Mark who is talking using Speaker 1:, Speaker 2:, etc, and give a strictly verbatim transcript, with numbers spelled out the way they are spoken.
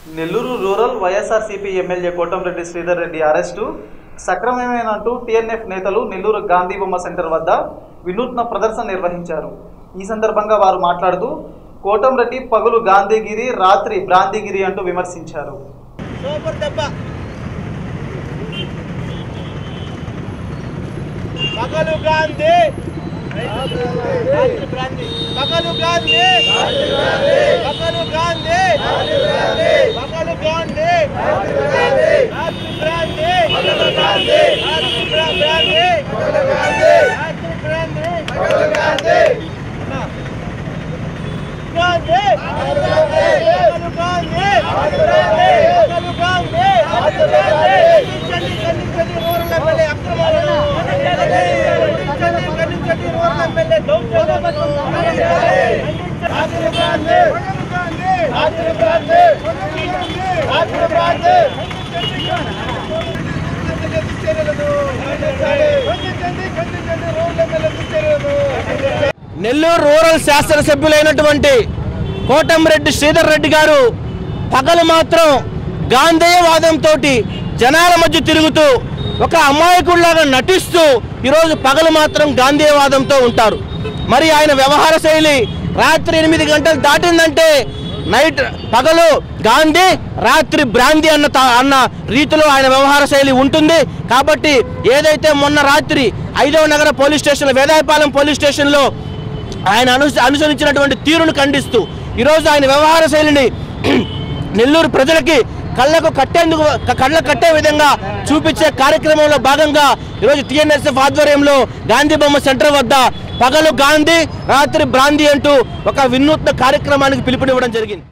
Speaker 1: Nellore rural YSRCP MLA Kotamreddy Sridhar Reddy arrest సక్రమమేనంటూ TNF నేతలు నెల్లూరు గాంధీ బొమ్మ సెంటర్ వద్ద వినూత్న ప్రదర్శన నిర్వహించారు. ఈ సందర్భంగా వారు మాట్లాడుతూ కోటంరెడ్డి పగులు గాంధీగిరి, రాత్రి బ్రాంతిగిరి అంటూ విమర్శించారు.
Speaker 2: పగలు గాంధీ పగలు గాంధీ పగలు గాంధీ పగలు గాంధీ రాత్రి బ్రాంతి పగలు గాంధీ రాత్రి బ్రాంతి పగలు గాంధీ రాత్రి బ్రాంతి పగలు గాంధీ గాంధీ పగలు గాంధీ పగలు గాంధీ చండి చండి చండి రోడ్ల ಮೇಲೆ అక్రమాలను నెల్లూరు రూరల్ శాసనసభ్యులైనటువంటి కోటంరెడ్డి శ్రీధర్ రెడ్డి గారు పగలు మాత్రం గాంధేయవాదంతో జనాల మధ్య తిరుగుతూ ఒక అమాయకుడిలాగా నటిస్తూ ఈరోజు పగలు మాత్రం గాంధేయవాదంతో ఉంటారు. మరి ఆయన వ్యవహార శైలి రాత్రి ఎనిమిది గంటలు దాటిందంటే నైట్ పగలు గాంధీ, రాత్రి బ్రాంతి అన్న అన్న రీతిలో ఆయన వ్యవహార శైలి ఉంటుంది. కాబట్టి ఏదైతే మొన్న రాత్రి ఐదవ నగర పోలీస్ స్టేషన్ వేదాయపాలెం పోలీస్ స్టేషన్లో ఆయన అను అనుసరించినటువంటి తీరును ఖండిస్తూ ఈరోజు ఆయన వ్యవహార శైలిని నెల్లూరు ప్రజలకి కళ్ళకు కట్టేందుకు కళ్ళకు కట్టే విధంగా చూపించే కార్యక్రమంలో భాగంగా ఈరోజు టీఎన్ఎస్ఎఫ్ ఆధ్వర్యంలో గాంధీ బొమ్మ సెంటర్ వద్ద పగలు గాంధీ, రాత్రి బ్రాంతి అంటూ ఒక వినూత్న కార్యక్రమానికి పిలుపునివ్వడం జరిగింది.